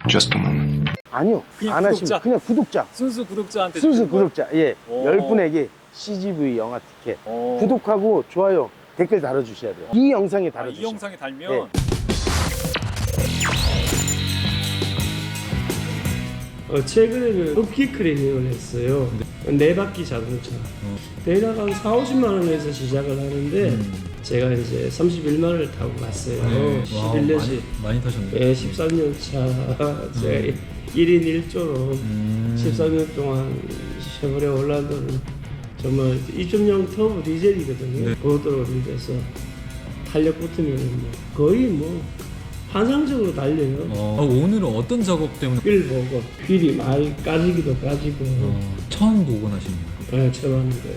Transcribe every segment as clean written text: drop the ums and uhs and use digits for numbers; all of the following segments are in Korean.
Just a moment. 아니요. 그냥 안 구독자? 하시면 그냥 구독자. 순수 구독자한테 순수 주는 거예요? 구독자. 예. 오. 10분에게 CGV 영화 티켓. 오. 구독하고 좋아요, 댓글 달아주셔야 돼요. 이 영상에 이 달아주세요. 영상에 달면 네. 최근에는 업기크레닝을 했어요. 네 바퀴 자동차. 대략 한 4, 50만 원에서 시작을 하는데 제가 이제 31만원을 타고 갔어요. 11년씩. 많이 타셨네요. 네, 13년 차. 제가 1인 1조로 13년 동안 쉐보레 올란도는 정말 2.0 터보 디젤이거든요. 네. 고속도로를 돼서 탄력 붙으면 뭐 거의 뭐 환상적으로 달려요. 오늘은 어떤 작업 때문에 휠 보고 휠이 많이 까지기도 까지고 처음 복원하신 거예요? 네, 처음 하는 거예요.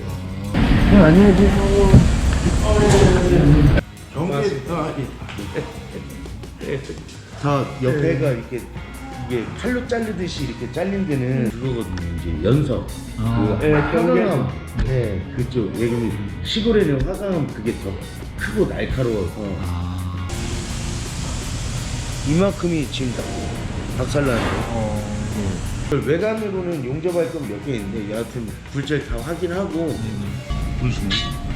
다 옆에가 이렇게 이게 칼로 자르듯이 이렇게 잘린 데는 그거거든요. 이제 연석. 그 화강암. 네, 그쪽. 왜냐면 시골에는 화강암 그게 더 크고 날카로워서 이만큼이 지금 다 박살나네요. 외관으로는 용접할 건 몇 개 있는데 여하튼 굴절 다 확인하고 보시네.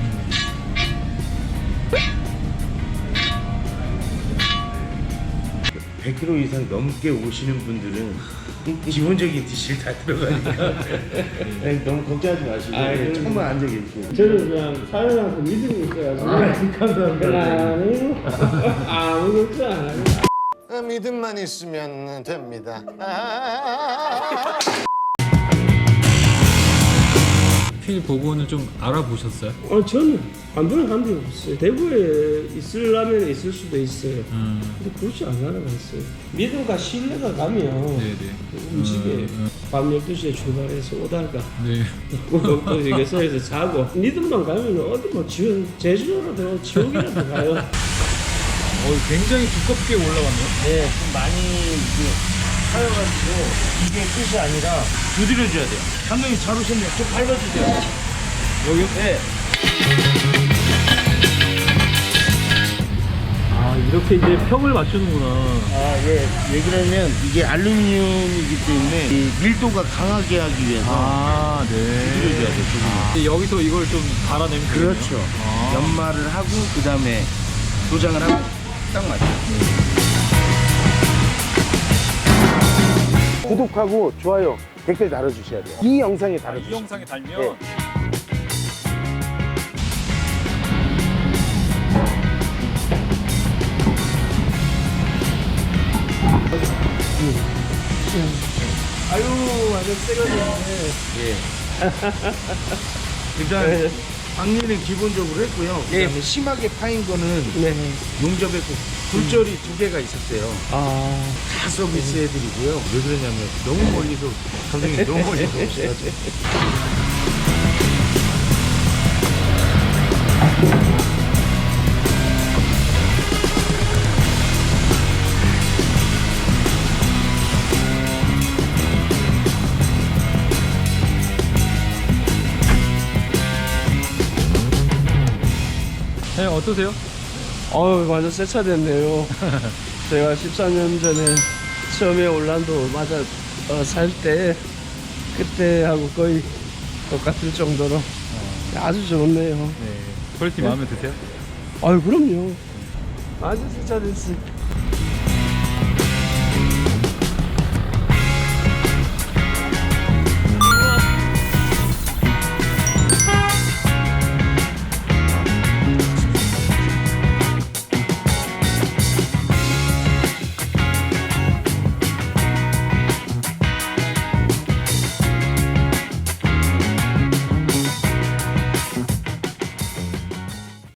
(100km) 이상 넘게 오시는 분들은 기본적인 디실 다 들어가니까 네, 너무 걱정하지 마시고 네, 조금만 앉아 계시고. 저는 그냥 사연한테 믿음이 있어가지고 감사합니다. 아무 걱정 안 해요. 믿음만 있으면 됩니다. 휠 복원을 좀 알아보셨어요? 저는 반도는 간 적이 없어요. 대구에 있으려면 있을 수도 있어요. 근데 굳이 안 알아봤어요. 믿음과 신뢰가 가면 네네. 움직여요. 밤 12시에 출발해서 오다가 네. 또 이게 서에서 자고 믿음만 가면 어디 뭐 제주도라도 지옥이라도 가요. 굉장히 두껍게 올라갔네요. 네, 좀 많이 하여가지고 이게 끝이 아니라 두드려줘야 돼요. 감독님 잘 오셨네요. 좀 밟아주세요. 여기? 네. 이렇게 이제 평을 맞추는구나. 예. 왜 그러냐면 이게 알루미늄이기 때문에 이 밀도가 강하게 하기 위해서 네. 두드려줘야 돼요. 여기서 이걸 좀 갈아내면 되겠네요. 그렇죠. 연마를 하고 그 다음에 도장을 하고 딱 맞죠. 구독하고 좋아요, 댓글 달아주셔야 돼요. 이 영상에 이 달아주세요. 영상에 달면 네. 아유 완전 새거든요. 일단 박리는 기본적으로 했고요. 그다음에 심하게 파인 거는 네. 용접했고 굴절이 2개가 있었어요. 다 서비스 해드리고요. 왜 그러냐면 너무 멀리서 감독님 너무 멀리서 오셔가지고. 네, 어떠세요? 완전 새 차 됐네요. 제가 14년 전에 처음에 올란도 맞아 살 때 그때하고 거의 똑같을 정도로 아주 좋네요. 네. 퀄리티 마음에 드세요? 아유 그럼요. 아주 새 차 됐어요.